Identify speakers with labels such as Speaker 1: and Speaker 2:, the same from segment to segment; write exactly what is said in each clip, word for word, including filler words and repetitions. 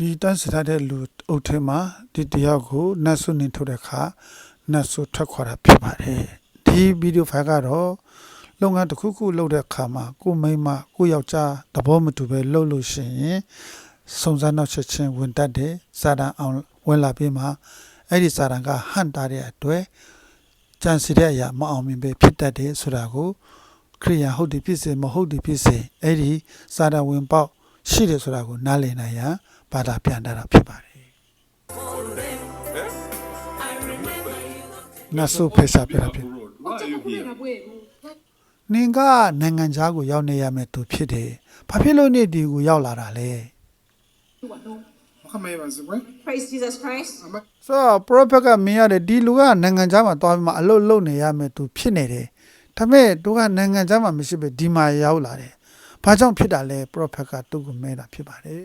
Speaker 1: ဒီတန်းစထားတဲ့လူအုပ်ထဲမှာဒီတယောက်ကိုနတ်ဆုနေထုတ်တဲ့အခါနတ်ဆုထွက်ခွာတာဖြစ်ပါတယ်ဒီဗီဒီယိုဖိုင်ကတော့လုပ်ငန်းတစ်ခုခုလုပ်တဲ့အခါမှာကိုမိမကိုယောက်ျားသဘောမတူပဲလုပ်လို့ရှိရင်စုံစမ်းနောက်ချက်ချင်းဝင်တတ်တယ်စာတန်အောင်ဝင်လာပြီးမှအဲ့ဒီစာတန်ကဟန်တာတဲ့အတွက်ကြံစီတဲ့အရာမအောင်မြင်ပဲဖြစ်တတ်တယ်ဆိုတာကိုခရိယာဟုတ်တယ်ဖြစ်စေမဟုတ်တယ်ဖြစ်စေအဲ့ဒီစာတန်ဝင်ပေါက်ရှိတယ်ဆိုတာကိုနားလည်နိုင်ရန်ဘာသာပြန်တာဖြစ်ပါတယ်နတ်ဆုဖေရှာပြတာဖြစ်နင်ကနိုင်ငံသားကိုရောက်နေရမယ်သူဖြစ်တယ်ဘာဖြစ်လို့နေဒီကိုရောက်လာတာလဲ
Speaker 2: Praise Jesus Christ.
Speaker 1: ဆိုတော့ prophet ကမင်းရတယ်ဒီလူကနိုင်ငံသားမှာသွားပြီးမှအလုပ်လုပ်နေရမယ်သူဖြစ်နေတယ်ဒါပေမဲ့သူကနိုင်ငံသားမှာမရှိပဲဒီမှာရောက်လာတယ်ဘာကြောင့်ဖြစ်တာလဲ prophet ကသူ့ကိုမဲတာဖြစ်ပါတယ်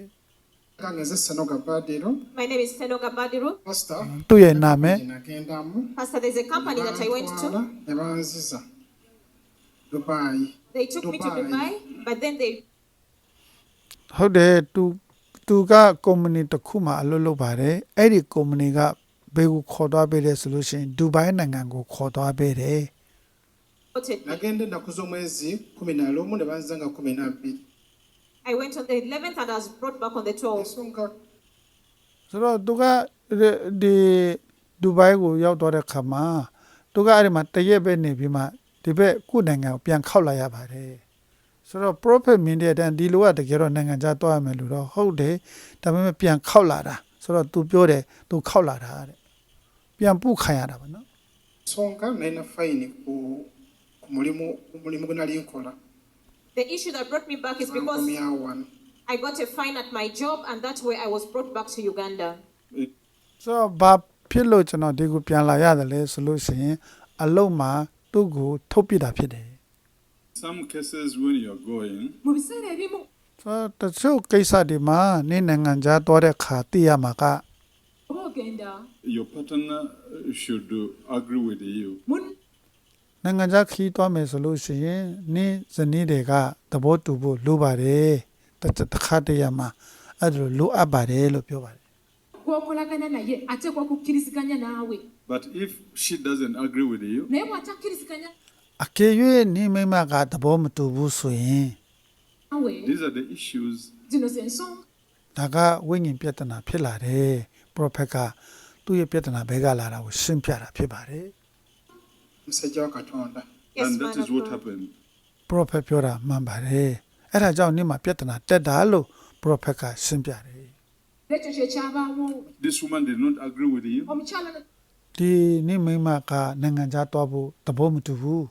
Speaker 2: My name is Senoga Badiru.
Speaker 1: သူ့ရဲ့နာမည်
Speaker 2: Pastor, there's a company that I went to. They took me to Dubai, but then they
Speaker 1: ဟုတ်တယ်သူသူကကုမ္ပဏီတစ်ခုမှအလုပ်လုပ်ပါတယ်အဲ့ဒီကုမ္ပဏီကဘယ်ကိုခေါ်သွားပေးလဲဆိုလို့ရှိရင်ဒူဘိုင်းနိုင်ငံကိုခေါ်သွားပေးတယ်
Speaker 2: I went on the eleventh and I was brought back on the twelfth.
Speaker 1: ဆိုတော့သူကဒီဒူဘိုင်းကိုရောက်သွားတဲ့ခါမှာသူကအဲ့ဒီမှာတရက်ပဲနေပြီးမှဒီဘက်ကုနိုင်ငံကိုပြန်ခောက်လာရပါတယ်ဆိုတော့ prophet မြင်တဲ့အတိုင်းဒီလိုကတကယ်တော့နိုင်ငံခြားသွားရမယ်လို့တော့ဟုတ်တယ်ဒါပေမဲ့ပြန်ခောက်လာတာဆိုတော့ तू ပြောတယ် तू ခောက်လာတာတဲ့ပြန်ပုခံရတာပါနော်
Speaker 2: The issue that brought me back is because I got a fine at my job and that's where I was brought back to Uganda.
Speaker 1: ဆိုတော့ဘာဖြစ်လို့ကျွန်တော်ဒီကိုပြန်လာရတယ်လဲဆိုလို့ရှိရင်အလုံးမှာသူ့ကိုထုတ်ပြတာဖြစ်တယ်
Speaker 3: Some cases when you are going,
Speaker 1: ဆိုတော့တချို့ကိစ္စတွေမှာနေနိုင်ငံခြားသွားတဲ့ခါသိရမှာက
Speaker 3: your partner should agree with you.
Speaker 1: နိုင်ငံခြားခီးသွားမယ်ဆိုလို့ရှိရင်နေဇနီးတွေကသဘောတူဖို့လိုပါတယ်တခါတည်းရမှာအဲ့လိုလိုအပ်ပါတယ်လို့ပြောပါတယ်
Speaker 3: But if she doesn't agree with you,
Speaker 1: အကယ်၍နေမိမကသဘောမတူဘူးဆိုရင်
Speaker 3: these are the issues.
Speaker 1: ဒါကဝိညာဉ်ပြဿနာဖြစ်လာတယ် prophet ကသူ့ရဲ့ပြဿနာဘဲကလာတာကိုရှင်းပြတာဖြစ်ပါတယ်
Speaker 2: Yes,
Speaker 3: And
Speaker 2: man
Speaker 3: that is
Speaker 2: of
Speaker 3: what
Speaker 2: God.
Speaker 3: happened.
Speaker 1: prophet ပြောတာမှန်ပါတယ်အဲ့ဒါကြောင့်နေမှာပြဿနာတက်တာလို့ prophet ကရှင်းပြတယ်
Speaker 3: This woman did not agree with you.
Speaker 1: ဒီနေမိမကနိုင်ငံခြားသွားဖို့သဘောမတူဘူး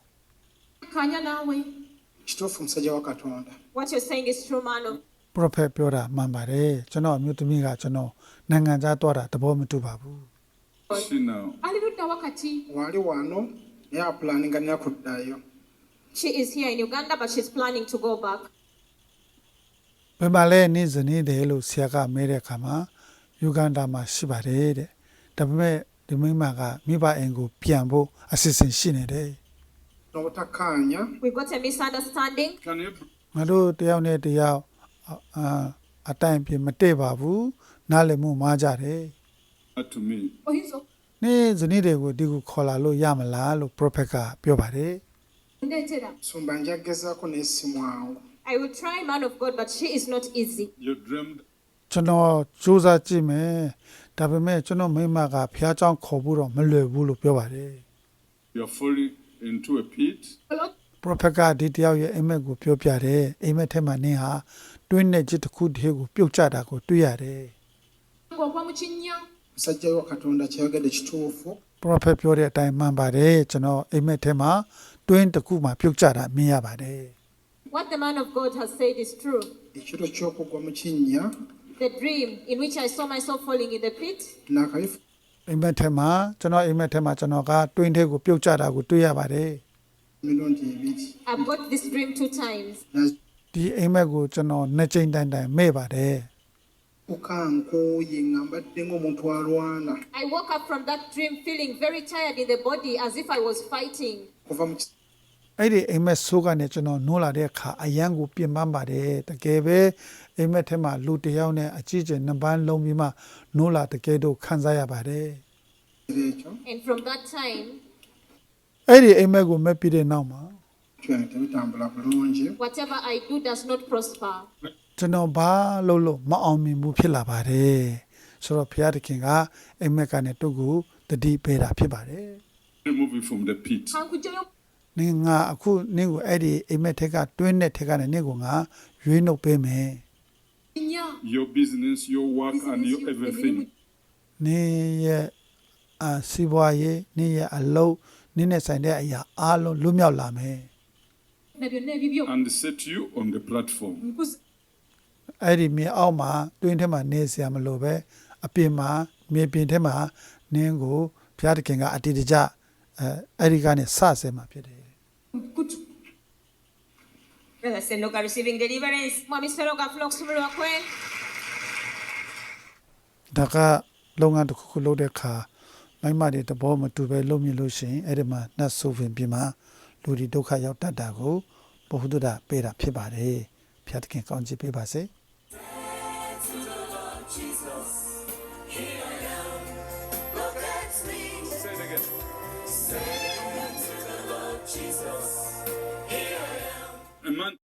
Speaker 2: What you're saying is true, man of
Speaker 1: prophet ပြောတာမှန်ပါတယ်ကျွန်တော်အမျိုးသမီးကကျွန်တော်နိုင်ငံခြားသွားတာသဘောမတူပါဘူး
Speaker 3: She now.
Speaker 2: She is here in Uganda, but she's planning to go back.
Speaker 1: ဘယ်မှာလဲနေဇနီးတယ်လို့ဆရာကမဲတဲ့အခါမှာယူဂန္ဒာမှာရှိပါတယ်တဲ့ဒါပေမဲ့ဒီမိမကမိဘအိမ်ကိုပြန်ဖို့အစီအစဉ်ရှိနေတယ်
Speaker 2: We've got a misunderstanding.
Speaker 3: Can you
Speaker 1: ငါတို့တယောက်နဲ့တယောက်အာအတိုင်းပြမတည့်ပါဘူးနားလည်မှုမှားကြတယ်
Speaker 3: bring to me?
Speaker 1: နေဇနီးတွေကိုဒီကိုခေါ်လာလို့ရမလားလို့ prophet ကပြောပါတယ်
Speaker 2: I will try, man of God, but she is not easy.
Speaker 3: You dreamed
Speaker 1: ကျွန်တော်စူးစမ်းကြည့်မယ်ဒါပေမဲ့ကျွန်တော်မိမကဖះเจ้าခေါ်ဖို့တော့မလွယ်ဘူးလို့ပြောပါတယ်
Speaker 3: you are falling into a pit.
Speaker 1: prophet ကဒီတယောက်ရဲ့အိမ်မက်ကိုပြောပြတယ်အိမ်မက်ထဲမှာနင်းဟာတွင်းနဲ့จิตတစ်ခုတည်းကိုပြုတ်ကျတာကိုတွေ့ရတယ် prophet ပြောတဲ့အတိုင်းမှန်ပါတယ်ကျွန်တော်အိမ်မက်ထဲမှာတွင်းတစ်ခုမှပြုတ်ကျတာမြင်ရပါတယ်
Speaker 2: What the man of God has said is true. The dream in which I saw myself falling in the pit,
Speaker 1: အိမ်မက်ထဲမှာကျွန်တော်အိမ်မက်ထဲမှာကျွန်တော်ကတွင်းထဲကိုပြုတ်ကျတာကိုတွေ့ရပါတယ်
Speaker 2: I've got this dream two times.
Speaker 1: ဒီအိမ်မက်ကိုကျွန်တော်နှစ်ကြိမ်တိုင်တိုင်မဲ့ပါတယ်
Speaker 2: I woke up from that dream feeling very tired in the body as if I was fighting.
Speaker 1: အဲ့ဒီအိမ်မက်ဆိုးကနေကျွန်တော်နိုးလာတဲ့အခါအယံကိုပြင်ပန်းပါတယ်တကယ်ပဲအိမ်မက်ထဲမှာလူတစ်ယောက်နဲ့အကြီးကျယ်နှစ်ပန်းလုံးပြီးမှနိုးလာတကယ်တော့ခံစားရပါတယ်
Speaker 2: And from that time,
Speaker 1: အဲ့ဒီအိမ်မက်ကိုမဲ့ပြီးတဲ့နောက်မှာ
Speaker 2: whatever I do does not prosper.
Speaker 1: ကျွန်တော်ဘာလို့လို့မအောင်မြင်မှုဖြစ်လာပါတယ်ဆိုတော့ဘုရားသခင်ကအိမ်မက်ကနေတုတ်ကိုတတိပေးတာဖြစ်ပါတယ်
Speaker 3: Remove it from the pit.
Speaker 1: နင်ငါအခုနင့်ကိုအဲ့ဒီအိမ်မက်ထက်ကတွင်းတဲ့ထက်ကနေနင့်ကိုငါရွေးနှုတ်ပေးမယ်
Speaker 3: Your business, your work, and your everything.
Speaker 1: နင်ရဲ့အစီးပွားရေးနင်ရဲ့အလုပ်နင်နဲ့ဆိုင်တဲ့အရာအားလုံးလွတ်မြောက်လာမယ်
Speaker 3: And set you on the platform.
Speaker 1: အဲ့ဒီမြေအောက်မှာတွင်းထဲမှာနေเสียမလို့ပဲအပြင်မှာမြေပြင်ထဲမှာနင်းကိုဘုရားသခင်ကအတိတ်ကြအဲအဲ့ဒီကနေစဆဲမှာဖြစ်တယ်
Speaker 4: Brother Senoka receiving deliverance.
Speaker 2: Mwami Seroga Flox Mulwakwe.
Speaker 1: ဒါကလုပ်ငန်းတစ်ခုခုလုပ်တဲ့အခါမိမတွေတဘောမတူပဲလုပ်မြင်လို့ရှိရင်အဲ့ဒီမှာနတ်ဆိုရင်ပြင်မှာလူတွေဒုက္ခရောက်တတ်တာကိုဘုဟုတ္တပေးတာဖြစ်ပါတယ်ဘုရားသခင်ကောင်းချီးပေးပါစေ